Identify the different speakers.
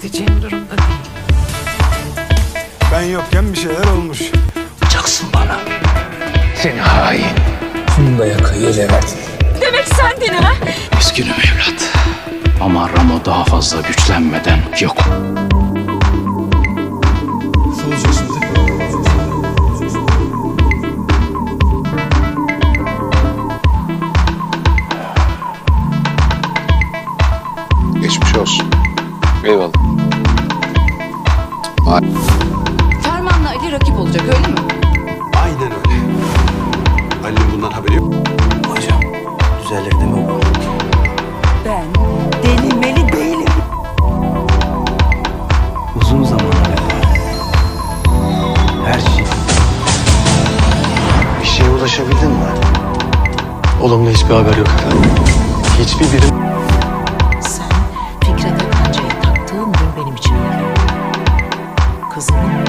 Speaker 1: edeceğim durumda değil.
Speaker 2: Ben yokken bir şeyler olmuş.
Speaker 3: Yapacaksın bana. Seni hain. Funda'ya kıyı Levent.
Speaker 4: Demek sendin ha?
Speaker 3: Üzgünüm evlat. Ama Ramo daha fazla güçlenmeden yok.
Speaker 2: Nasıl olacak şimdi?
Speaker 5: Geçmiş olsun. Eyvallah.
Speaker 4: Ferman'la Ali rakip olacak öyle mi?
Speaker 2: Aynen öyle. Ali'nin bundan haberi yok.
Speaker 6: Hocam, düzelir değil mi bu?
Speaker 4: Ben denemeli değilim.
Speaker 6: Uzun zamana her şey.
Speaker 5: Bir şeye ulaşabildin mi? Olumlu hiçbir haber yok efendim. Hiçbir birim...
Speaker 1: Sen Fikret'e kancayı taktığın gün benim için öyle. Kızımın